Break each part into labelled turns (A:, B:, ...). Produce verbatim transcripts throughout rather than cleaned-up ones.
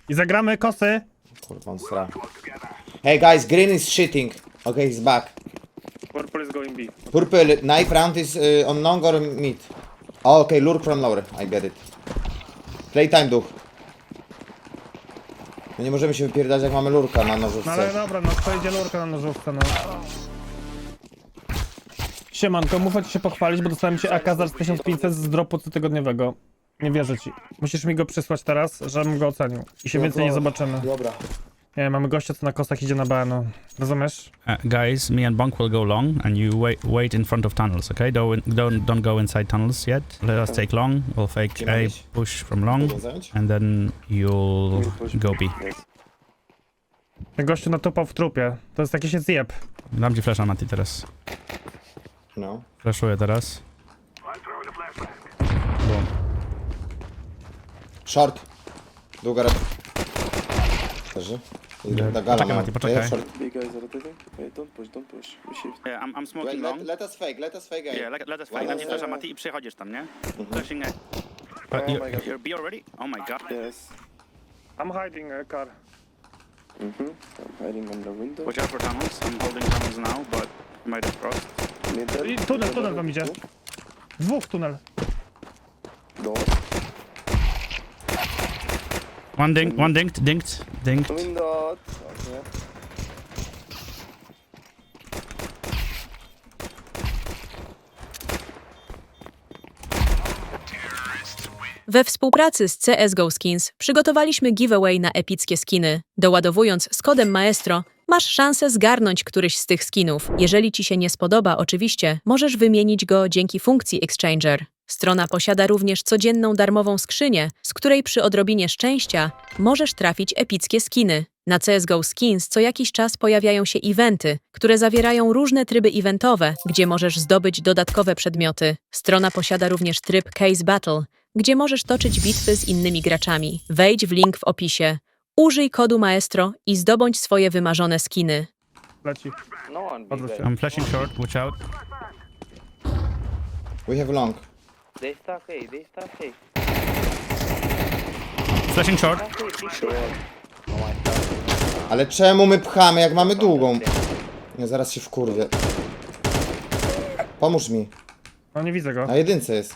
A: I zagramy kosy.
B: Kurwa, on stra. Hey guys, green is shitting. Okay, he's back.
A: Purple is going B.
B: Purple, knife round is uh, on long or mid? Oh, okay, lure from lower. I get it. Playtime, duch. No nie możemy się wypierdać, jak mamy lurka na
A: No ale
B: nożówce.
A: dobra, no to idzie lurka na nożówkę, no. Siemanko, muszę ci się pochwalić, bo dostałem się A K za tysiąc pięćset z dropu cotygodniowego. Nie wierzę ci. Musisz mi go przysłać teraz, żebym go ocenił. I się więcej nie zobaczymy.
B: Dobra.
A: Nie, mamy gościa, co na kosach idzie na B, no. Rozumiesz?
C: Uh, guys, me and Bonk will go long, and you wait wait in front of tunnels, okay? Don't don't don't go inside tunnels yet. Let us take long. We'll fake A, push from long, and then you'll go B.
A: Ten gościu natupał w trupie. To jest jakiś zjeb.
C: Dam ci flasha, Mati, teraz.
B: No.
C: Flashuję teraz. Boom.
B: Short. Długa rep. Leży.
C: Poczekaj,
B: Gala
C: Mati, poczekaj.
D: Big guys are rotating. Wait, don't push, don't push. We shift.
E: Yeah, I'm, I'm
B: Let,
E: smoking
B: let,
E: long.
B: let us fake, let us fake A.
E: Yeah, let, let us
B: One
E: fight. Dam
B: on
E: ci
B: side.
E: flasha, Mati, i przychodzisz tam, nie? Flashing A.
C: Uh, you-
D: Oh my god.
E: You're B already? Oh my god.
D: Yes.
A: I'm hiding a car.
D: Mm-hmm. I'm hiding on the window.
E: Watch out for tunnels. I'm holding tunnels now, but might have crossed.
D: Middle.
A: I tunel, tunel wam idzie. Dwóch tunel.
D: Door.
C: One dink, one dinked, dinked, dinked.
D: Window. Okay.
F: We współpracy z C S G O Skins przygotowaliśmy giveaway na epickie skiny. Doładowując z kodem Maestro, masz szansę zgarnąć któryś z tych skinów. Jeżeli ci się nie spodoba, oczywiście, możesz wymienić go dzięki funkcji Exchanger. Strona posiada również codzienną darmową skrzynię, z której przy odrobinie szczęścia możesz trafić epickie skiny. Na C S G O Skins co jakiś czas pojawiają się eventy, które zawierają różne tryby eventowe, gdzie możesz zdobyć dodatkowe przedmioty. Strona posiada również tryb Case Battle, gdzie możesz toczyć bitwy z innymi graczami. Wejdź w link w opisie. Użyj kodu Maestro i zdobądź swoje wymarzone skiny.
A: Leci. Odwróć się.
C: I'm flashing short, watch out.
B: We have long.
G: They stuck A, they stuck A.
C: Flashing short.
G: Stuck A, big short.
B: Ale czemu my pchamy, jak mamy długą? Nie, zaraz się wkurwię. Pomóż mi.
A: No nie widzę go.
B: Na jedynce jest.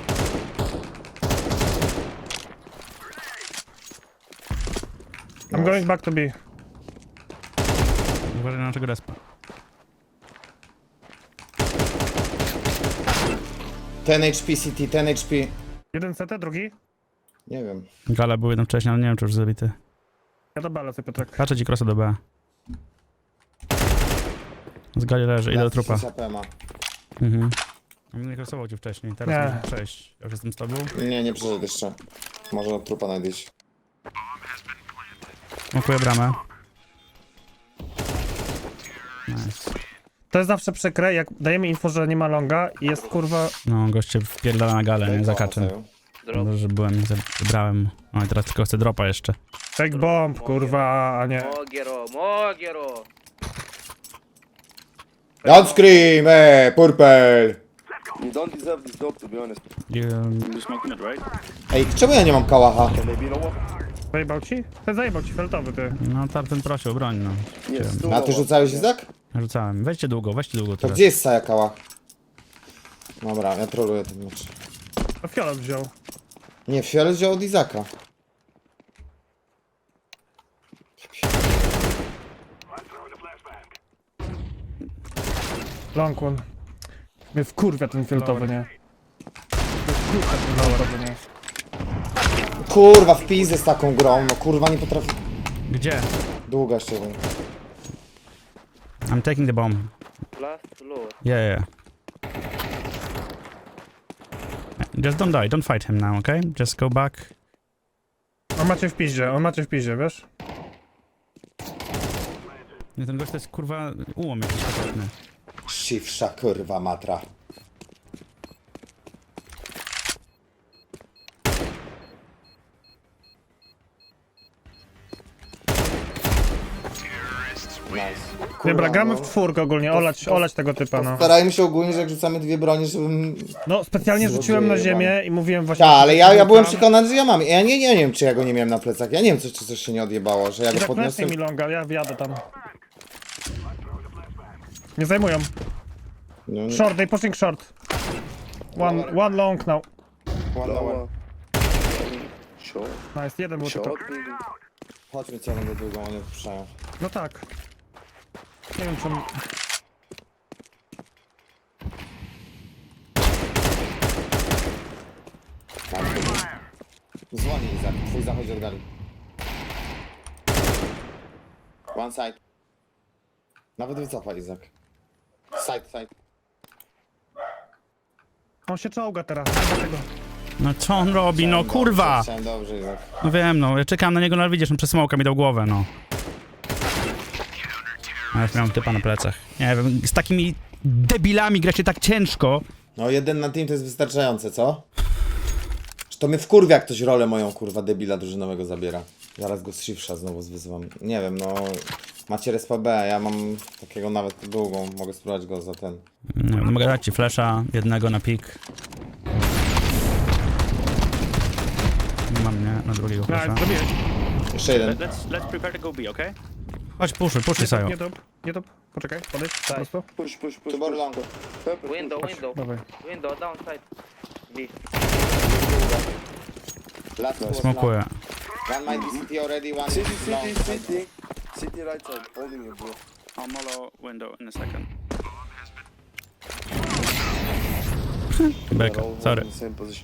A: I'm going back to B.
C: Uważaj na naszego respa.
B: ten H P C T, ten H P.
A: Jeden C T, drugi.
B: Nie wiem.
C: Gala był jeden wcześniej, ale nie wiem, czy już zabity.
A: Ja do B lecę, Piotrek.
C: Patrzę ci crossa do B. Z gali leży, idę do trupa.
B: Pema.
C: Mhm. On nie crossował cię wcześniej, teraz
A: Nie.
C: możesz przejść. Ja już jestem z tobą.
B: Nie, nie przyszedł jeszcze. Może na trupa najdyś.
C: Smokuję bramę. Nice.
A: To jest zawsze przykre, jak dajemy info, że nie ma longa i jest kurwa...
C: No, goście wpierdala na galę, nie za kaczem.
G: Drop.
C: Dobrze, że byłem i zebrałem. No i teraz tylko chcę dropa jeszcze.
A: Fake bomb, kurwa, a nie.
G: Mogero, Mogero.
B: Don't scream, eh, purple!
D: You don't deserve this dog, to be honest.
C: You,
E: You're smoking it, right?
B: Ej, czemu ja nie mam kałacha?
D: Can they be lower?
A: Zajebał ci? Ten zajebał ci, feltowy ty.
C: no ten prosił o broń, no.
D: Yes, two
B: A ty
D: lower.
B: rzucałeś Izak?
C: Rzucałem. Weźcie długo, weźcie długo
B: To
C: teraz.
B: gdzie jest Saja kałach? Dobra, ja troluję ten mecz.
A: To fiolet wziął.
B: Nie, Fiolet wziął od Izaka.
A: Long one. Mnie wkurwia ten fioletowy, nie? Mnie wkurwia ten fioletowy, nie?
B: Kurwa, w pizdę z taką grą, no kurwa nie potrafi...
C: Gdzie?
B: Długa jeszcze jeden.
C: I'm taking the bomb.
G: Last lower.
C: Yeah, yeah. Just don't die, don't fight him now, okay? Just go back.
A: On macie w piździe, on macie w piździe, wiesz?
C: Nie, ten gość to jest kurwa ułom jakiś konkretny.
B: Siwsza kurwa matra. Nice.
A: Dobra, gramy w
B: no.
A: czwórkę ogólnie, olać, olać tego typa, no.
B: Starajmy się ogólnie, że jak rzucamy dwie bronie, żebym...
A: No, specjalnie
B: Złodzieje
A: rzuciłem na
B: jebane.
A: ziemię i mówiłem właśnie...
B: Tak, ale ja, ja byłem
A: Tam.
B: przekonany, że ja mam. Ja nie, nie wiem, czy ja go nie miałem na plecach. Ja nie wiem, czy, czy coś się nie odjebało, że ja
A: I
B: go
A: tak
B: podniosłem.
A: mi longa, ja wjadę tam. Nie zajmują.
B: No, nie.
A: Short, they pushing short. One, one long now.
B: One lower.
D: Short.
A: Nice, jeden był tylko.
D: Short, maybe.
B: Chodźmy co będę długą, oni odpuszczają.
A: No tak. Nie wiem czym...
B: Dzwoni Izak, twój zachodzi od gali. One side. Nawet wycofa Izak. Side, side.
A: On się czołga teraz, dlatego.
C: No co on robi, no
B: Chciałem
C: kurwa!
B: Dobrze, chciałem dobrze, Izak.
C: No wiem, no, ja czekam na niego, no ale widzisz, on przez smoka mi dał głowę, no. A już miałem typa na plecach. Nie wiem, z takimi debilami gra się tak ciężko.
B: No jeden na team to jest wystarczające, co? Czy to mnie wkurwia, jak ktoś rolę moją, kurwa, debila drużynowego zabiera. Zaraz go z shiftsha znowu wyzywam. Nie wiem, no... Macie respa B, ja mam takiego nawet długą, mogę spróbować go za ten.
C: Nie wiem, no mogę dać ci flasha, jednego na pik. Nie mam, nie? Na drugiego flasha.
A: Nice, zrobiłeś.
B: Jeszcze jeden.
E: Let's let's prepare to go B, okay?
C: Chodź, puszuj, puszuj
A: Nie
C: Sajo.
A: tup, nie tup, nie tup. Poczekaj, podejdź, po prostu.
D: Push, push, push.
B: Two more
D: push.
B: long.
D: Pepper,
G: Window,
D: push.
G: window.
A: Dawaj.
G: Window, downside. B.
B: Last two was
C: Smokuję.
B: long. One might be city already, one
D: City,
B: is long.
D: city, city. City right side, holding you, bro.
E: I'll mollow window in a second.
D: They're
C: Beka,
D: all
C: sorry.
D: in the same position.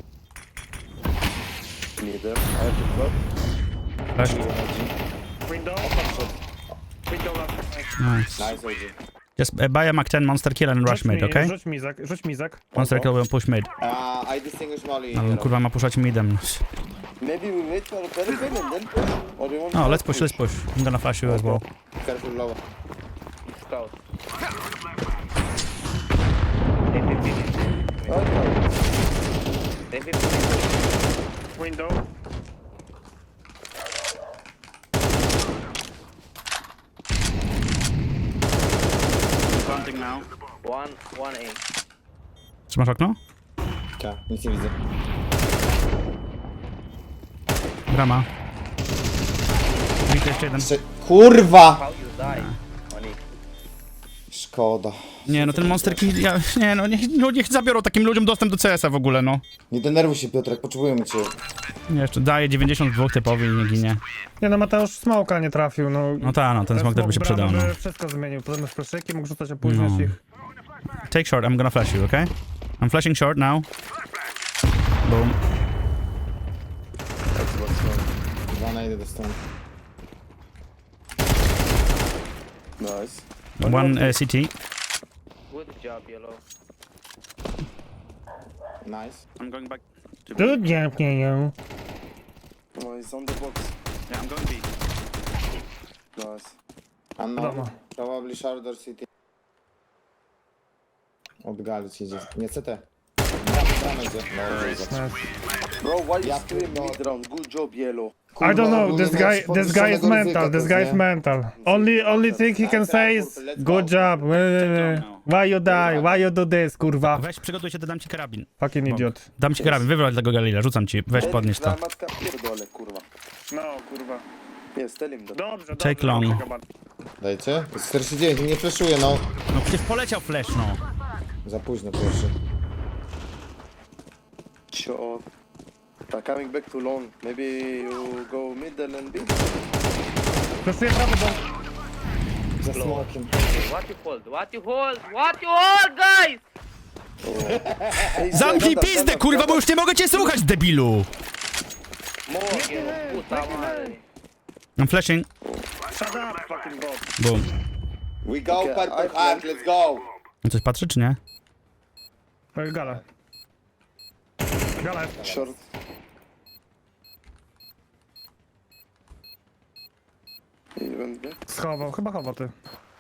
D: Need them. I have to drop.
C: Flash.
A: Window. Window last.
C: Nice.
B: Nice, O G.
C: Just uh, buy a Mac ten monster kill and rush
A: Rzuć
C: mid,
A: mi-
C: okay?
A: Rzuć mizak, rzuć mizak.
C: Monster kill will push mid.
B: Uh, I distinguish Molly.
C: Ale on
B: hero.
C: kurwa ma puszać midem.
D: Maybe we wait for a pelican and then push. Or you want
C: No,
D: to
C: let's push, let's push. I'm gonna flash you as well.
B: Careful lower.
G: Scout.
D: Okay.
G: They fifty.
A: Window.
E: Planting now.
G: One, one A.
C: Trzymasz okno?
B: Tak, nic nie widzę.
C: Brama. Widzę jeszcze jeden.
B: Jeszcze... Kurwa!
G: How you die? Money.
B: Szkoda.
C: Nie, no ten monster kill, ja, nie no, niech, no niech zabiorą takim ludziom dostęp do C S a w ogóle, no.
B: Nie denerwuj się, Piotrek, potrzebujemy cię.
C: Nie, jeszcze daje dziewięćdziesiąt dwa typowi i nie ginie.
A: Nie no, Mateusz smoka nie trafił, no.
C: No ta, no, ten smok też by się przydał, no.
A: bramy by wszystko zmienił, potem z fleszyki mógł rzucać opóźniać
C: No.
A: ich.
C: Take short, I'm gonna flash you, okay? I'm flashing short now. Boom.
B: Dwa na jeden dostałem.
D: Nice.
C: One uh, C T.
G: Good job, yellow.
B: Nice.
E: I'm going back to B.
A: Tu dziękuję.
D: Oh, he's on the box.
E: Yeah, I'm going B.
D: Nice.
B: Unknown.
A: Wiadomo.
B: Probably Shardor City. Od gali ci idzie. Nie C T. Bramę, bramę idzie. Dobrze, Izak.
A: Nice.
D: Bro, why you
B: Ja
D: scream
B: pierdolę.
D: mid round? Good job, yellow.
A: I don't know,
B: ogólnie
A: this
B: miałeś
A: guy, this guy is
B: podwyższonego
A: mental,
B: ryzyka
A: this
B: też,
A: guy is
B: nie?
A: mental. Only, only thing he can say is, good job, why you die, why you do this, kurwa.
C: Weź, przygotuj się, to dam ci karabin.
A: Fucking idiot.
C: Dam ci karabin, wywróć tego Galila, rzucam ci. Weź, podnieś to.
D: Matka pierdolę, kurwa.
A: No, kurwa.
D: Yes, tell him that.
A: Dobrze,
C: Take long.
B: Dajcie? Jest czterdzieści dziewięć, nie fleszuje, no.
C: No przecież poleciał flash, no.
B: Za późno pierwszy.
D: Sure. Uh, coming back too long. Maybe you go middle and B.
A: Fleszuję prawy, bo...
B: Za smokiem.
G: What you hold? What you hold? What you hold, guys?
D: Hey,
C: Zamknij
D: stand up,
C: pizdę,
D: stand up,
C: kurwa,
D: stand
C: bo
D: up.
C: już nie mogę cię słuchać, debilu!
G: More, yellow. Puta madre.
C: I'm flashing.
A: Shut up, fucking bot.
C: Boom.
B: We go
D: Okay,
B: purple
D: I-
B: heart, let's go!
C: On coś patrzy, czy nie?
A: Oj, gala. Gala.
D: Short. You went B?
A: Schował, chyba chował ty.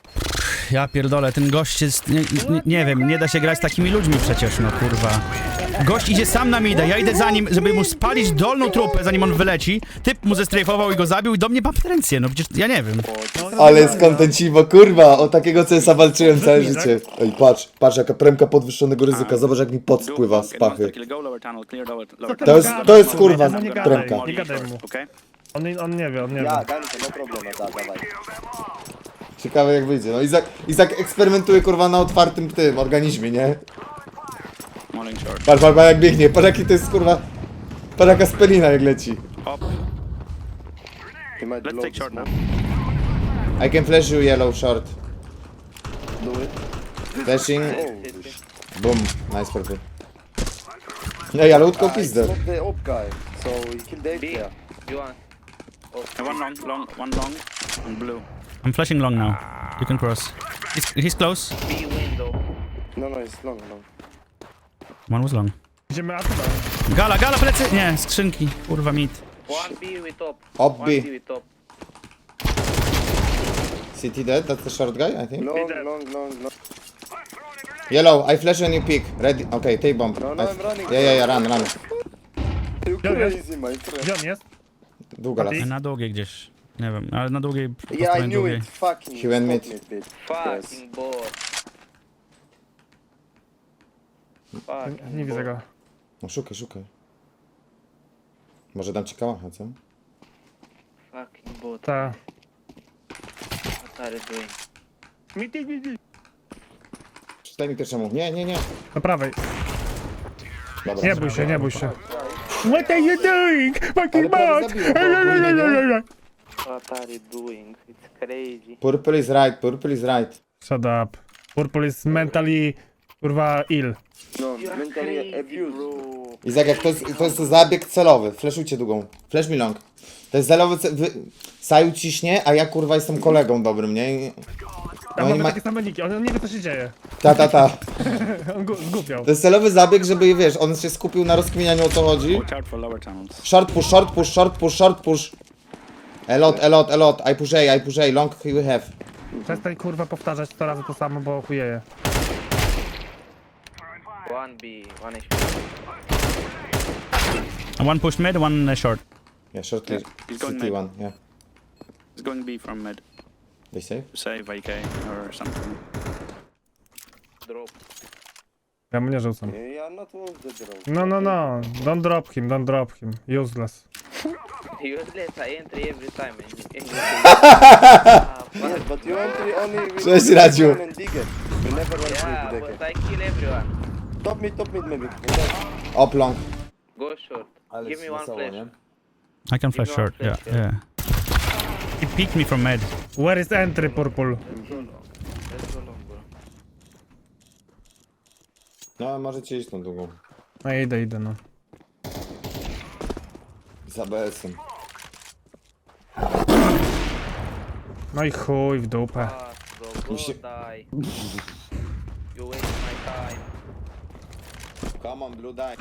C: Ja pierdolę, ten gość jest... Nie, nie, nie wiem, nie da się grać z takimi ludźmi przecież, no kurwa. Gość idzie sam na midę, ja idę za nim, żeby mu spalić dolną trupę, zanim on wyleci. Typ mu zestrajfował i go zabił i do mnie ma pretensje, no przecież ja nie wiem.
B: Ale jest kontenciwo, kurwa, o takiego C S a walczyłem całe życie. Ej, patrz, patrz jaka premka podwyższonego ryzyka, zobacz jak mi pot
E: Do
B: spływa z
E: long and
B: pachy.
E: monster kill, go lower tunnel, clear lower, lower
A: ty
B: To jest, to jest kurwa
A: No nie gadaj,
B: premka.
A: nie gadaj mu.
E: Okay?
A: On, on nie wie, on nie wie.
D: Ja, Ganko, no problem, da, dawaj.
B: Ciekawe jak wyjdzie, no Izak, Izak eksperymentuje kurwa na otwartym tym organizmie, nie?
E: Morning short.
B: Patrz, patrz, patrz jak biegnie, patrz jaki to jest kurwa... Patrz jaka spelina jak leci.
E: Pop.
D: He might
E: Let's
D: blow
E: take
D: the
E: short now.
D: smoke.
B: I can flash you yellow short.
D: Do it.
B: Flashing,
D: Holy sh...
B: boom, nice purple. Ej, ale utką
D: Ah, it's
B: pizdę.
D: not the op guy, so he killed the
G: B.
D: player.
G: You want?
E: And one long, long, one long, and blue.
C: I'm flashing long now. You can cross. He's, he's close.
G: B window.
D: No, no, it's long, long.
C: One was long.
A: Idziemy A chyba.
C: Gala, gala, plecy! Nie, skrzynki. Kurwa, mit.
G: One B with top.
B: Op
G: One
B: B.
G: B with top.
B: City dead, that's the short guy, I think.
D: Long,
A: dead.
D: long, long, long.
B: Yellow, I flash and you pick. Ready, okay, take bomb.
D: No, no,
B: I-
D: I'm running.
B: Yeah, yeah, yeah, run, run.
D: You
A: Yeah, yeah.
D: crazy, my friend.
A: Gdzie on jest?
B: Długa las.
C: Na długiej gdzieś. Nie wiem, ale na długiej... po
D: Yeah,
C: stronie
D: I knew
C: długiej.
D: it. Fucking.
B: He went
D: stop
B: mid.
D: it, bitch.
G: Fucking bot. Fucking
A: Nie widzę
G: bot.
A: go.
B: No szukaj, szukaj. Może dam ci kałacha, co?
G: Fucking bot.
A: Ta.
G: What are you doing?
B: Przeczytaj mi pierwszemu. Nie, nie, nie.
A: Na prawej.
B: Dobra.
A: Nie bój się, nie bój się. What are you doing? Fucking
B: prawie
A: bot!
B: zabiło, bo ogólnie nie.
G: What are you doing? It's crazy.
B: Purple is right, purple is right.
A: Shut up. Purple is mentally, kurwa, ill.
D: No,
G: You are
D: mentally
G: crazy,
D: abused.
G: bro.
B: Izak, jak to jest, to jest zabieg celowy. Flashujcie długą. Flash mi long. To jest celowy ce... Wy... Saju ciśnie, a ja kurwa jestem kolegą dobrym, nie? I-
A: Tam
B: No i
A: mamy
B: ma...
A: takie same niki, on on nie wie co się dzieje.
B: Ta, ta, ta.
A: On gu- zgłupiał.
B: To jest celowy zabieg, żeby, wiesz, on się skupił na rozkminianiu o co chodzi.
E: Watch out for lower tunnels.
B: Short push, short push, short push, short push. A lot, a lot, a lot. I push A, I push A. Long you have.
A: Przestań kurwa powtarzać sto razy to samo, bo chujeje.
G: One B, one H P.
C: One pushed mid, one uh, short.
B: Yeah, short
E: Yeah, he's going
B: city
E: mid.
B: one, yeah.
E: It's going B from mid.
B: They save?
E: Save A K or something.
G: Drop.
A: Ja mu nie rzucam.
D: Yeah, I'm not worth the drone.
A: No, no, no. Don't drop him, don't drop him. Useless.
G: Useless, I enter every time. and- Ah,
D: Yes,
G: fuck.
D: but you entry only with
B: Cześć, Radziu.
D: and digger. You never went
G: Yeah,
D: through
G: but
D: the
G: I kill everyone.
D: Top mid, top mid maybe.
B: Up long.
G: Go short. Give me one flash.
C: I can flash
G: Give me one
C: short, yeah,
G: flash,
C: yeah. He peeked me from mid.
A: Where is entry, Purple?
G: Let's go long, bro.
B: No, możecie iść tą długą.
A: No idę, idę, no.
B: Z A B S-em.
A: No i chuj w dupę.
G: Fuck, bro. Go
B: się-
G: die. You waste my time.
B: Come on, blue die.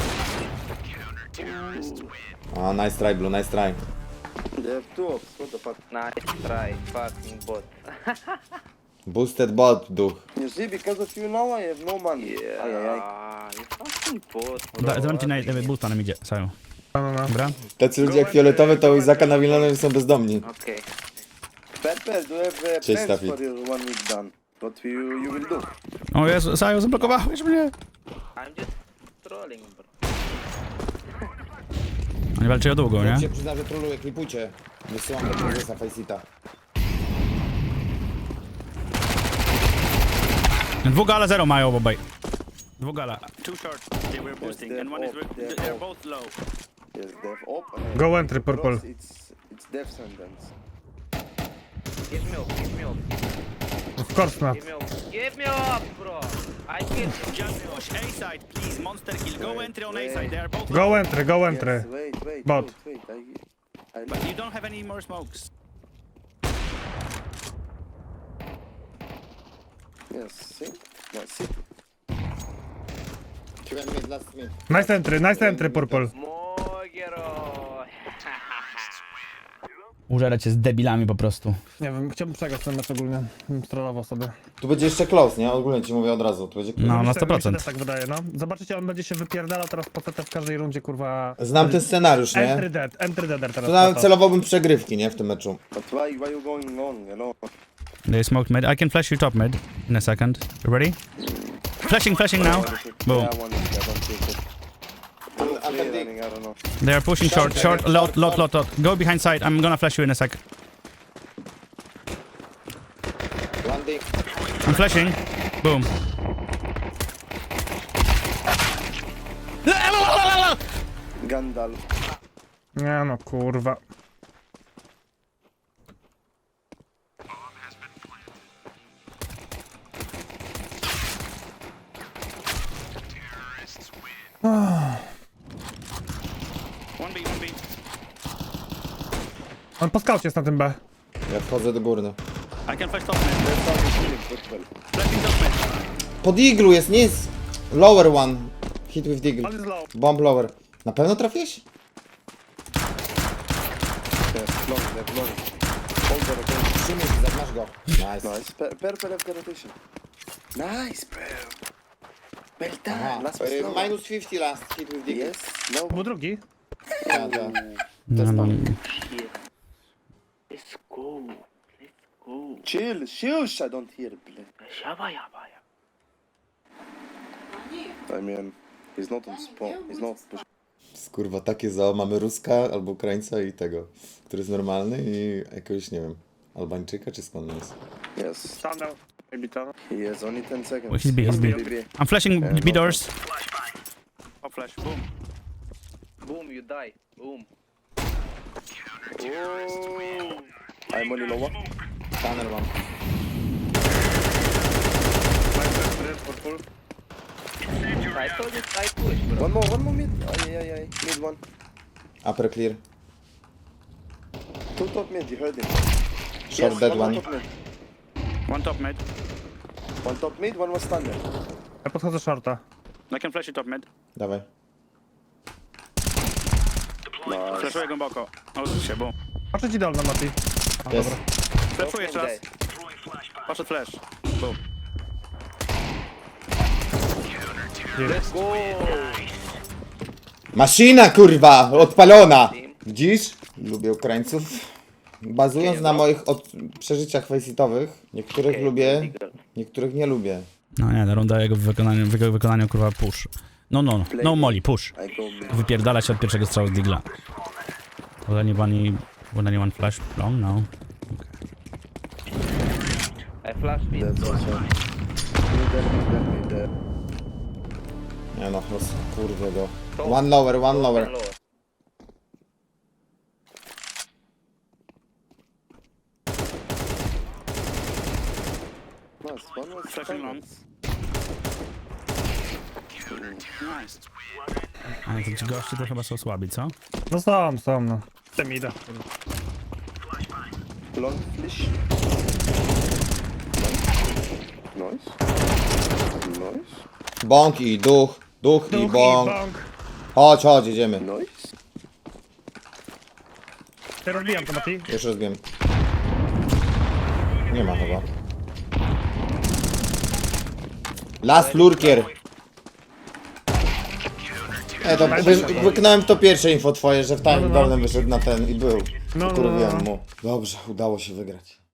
B: Ah, nice try, blue, nice try.
D: They have two ops, what the fuck?
G: Nice try, fucking bot.
B: Boosted bot, duch.
D: You see, because of you now I have no money.
G: Yeah,
D: Ay, ay, ay.
G: you fucking bot, bro.
C: Da, dam ci na e, boosta nam idzie, Saju.
A: No, no, no.
C: Dobra?
B: Tacy ludzie jak fioletowy to u Izaka na Wilanowie są bezdomni.
G: Okay.
D: Purple, do you have uh,
B: Cześć,
D: plans
B: Stafik.
D: for your one week done? What you, you will do?
C: O Jezu, Saju, zablokowałeś mnie!
G: I'm just trolling, bro.
C: Oni walczy o długo,
B: Ja
C: nie?
B: się przyznam, że troluję, klipujcie. Wysyłam do prezesa Faceta.
C: Dwóch gala, zero mają obaj. Dwóch gala.
E: Two short. They were boosting,
D: they're
E: and one is
D: off, they're
E: they're
D: off.
E: both low.
D: Yes, they have op. and
A: Go
D: I-
A: entry, Purple.
D: cross, It's, it's death sentence.
G: Give me up, give me up,
A: Of course not.
G: give me up. Give me up, bro. I killed you.
E: Just push A side, please. Monster kill. Go entry on A side. They are both low.
A: Go entry, go entry.
D: Yes, wait, wait,
A: Bot.
D: wait, wait. I, I
E: But you don't have any more smokes.
D: Yes, see? No, see?
B: Last minute.
A: Nice entry, nice entry, Purple.
G: Mogero.
C: Użerać się z debilami po prostu.
A: Nie wiem, chciałbym przegrać ten mecz ogólnie. Bym strollował sobie.
B: Tu będzie jeszcze close, nie? Ogólnie ci mówię od razu, tu będzie close.
C: No, na
A: Mi się-
C: sto
A: mi się
C: procent.
A: też tak wydaje, no. Zobaczycie, on będzie się wypierdalał teraz po C T w każdej rundzie, kurwa.
B: Znam ten scenariusz, nie?
A: Entry dead, entry deader teraz.
B: Tu nawet
A: po to.
B: celowałbym przegrywki, nie? W tym meczu.
D: But why, why you going long, you know?
C: They smoked mid. I can flash you top mid in a second. You ready? Flashing, flashing now. Boom.
D: Yeah, one is there, don't take it.
B: I'm,
D: Three
B: I'm
D: running, I don't know.
C: They are pushing short, short, lot, lot, lot, lot. Go behind side. I'm gonna flash you in a sec.
B: Landing.
C: I'm flashing. Boom.
D: Gandalf.
A: Nie no, kurwa.
E: One B, one B.
A: On po skaucie jest na tym B.
B: Ja wchodzę do góry.
E: I can flash top mid.
D: Let's start with healing, quick, well.
E: Flashing top mid.
B: Pod iglu jest, nie jest. Lower one. Hit with eagle.
A: On jest low.
B: Bomb lower. Na pewno trafiłeś?
D: Yes, long, left, long. Hold there again.
B: Trzy minuty, masz go. Nice.
D: Nice. Per, per, per, per rotation. Nice, bro. Well done.
B: Aha.
D: Last
B: Y,
D: was slow.
B: minus pięćdziesiąt last. Hit with eagle.
D: Yes, no.
A: Był drugi.
B: Tak, tak.
C: No, no.
G: Let's go. Let's go.
D: Chill, shush, I don't hear, play.
G: Shaba yaba ya.
D: I mean, he's not on spawn. He's not pushing.
B: Kurwa, takie za mamy Ruska albo Ukraińca i tego, który jest normalny i jakiegoś, nie wiem, Albańczyka czy skąd on jest.
D: Yes.
A: Tunnel. Maybe tunnel.
D: He has only ten seconds.
C: He's B, he's B. I'm flashing
D: Yeah,
C: B
D: no
C: doors.
E: Top flash. Boom.
G: Boom, you die. Boom.
D: Oh. I'm only lower.
B: Tunnel mam.
G: I told you I push, bro.
D: One more, one more mid. Aye, aye, aye. Mid one.
B: Upper clear.
D: Two top mid, you heard him.
B: Short
D: Yes,
B: dead
D: one.
B: one.
D: More top mid.
E: One top mid.
D: One top mid, one was standard.
A: Ja podchodzę shorta.
E: I can flash you top mid.
B: Dawaj.
D: Nice.
E: Flashuję głęboko. Odwróć się, boom.
A: Patrzę ci dolno, Mati.
B: Jest.
E: Flashuję jeszcze raz. Poszedł flash. Boom.
G: Let's go.
B: Maszyna, kurwa! Odpalona! Widzisz? Lubię Ukraińców. Bazując na moich od... przeżyciach faceitowych, niektórych lubię, niektórych nie lubię.
C: No nie, ta runda jego w wykonaniu, w jego wykonaniu kurwa push. No, no, no. No molly, push.
D: I go mid.
C: Wypierdala się od pierwszego strzału z digla. Will anyone, will anyone flash long? No.
G: I flash mid.
D: That's also. Mid there, mid there, mid there.
B: Nie no, roz... kurwa go. One lower, one lower.
D: Nice, one was
E: Flashing long. Nice.
C: Ale to ci goście to chyba są słabi, co?
A: No są, są, no. Chcę mi idę.
D: long flash. Nice. Nice.
B: Bąk i duch, duch i
A: Duch i
B: bąk.
A: bąk.
B: Chodź, chodź, jedziemy.
D: Nice.
A: Ja rozbijam to, Mati.
B: Już rozbiłem. Nie ma chyba. Last lurkier. Ej, to wy, wyknąłem to pierwsze info twoje, że w time dolnym wyszedł na ten i był.
A: No, no,
B: Kurwiłem
A: no.
B: mu. Dobrze, udało się wygrać.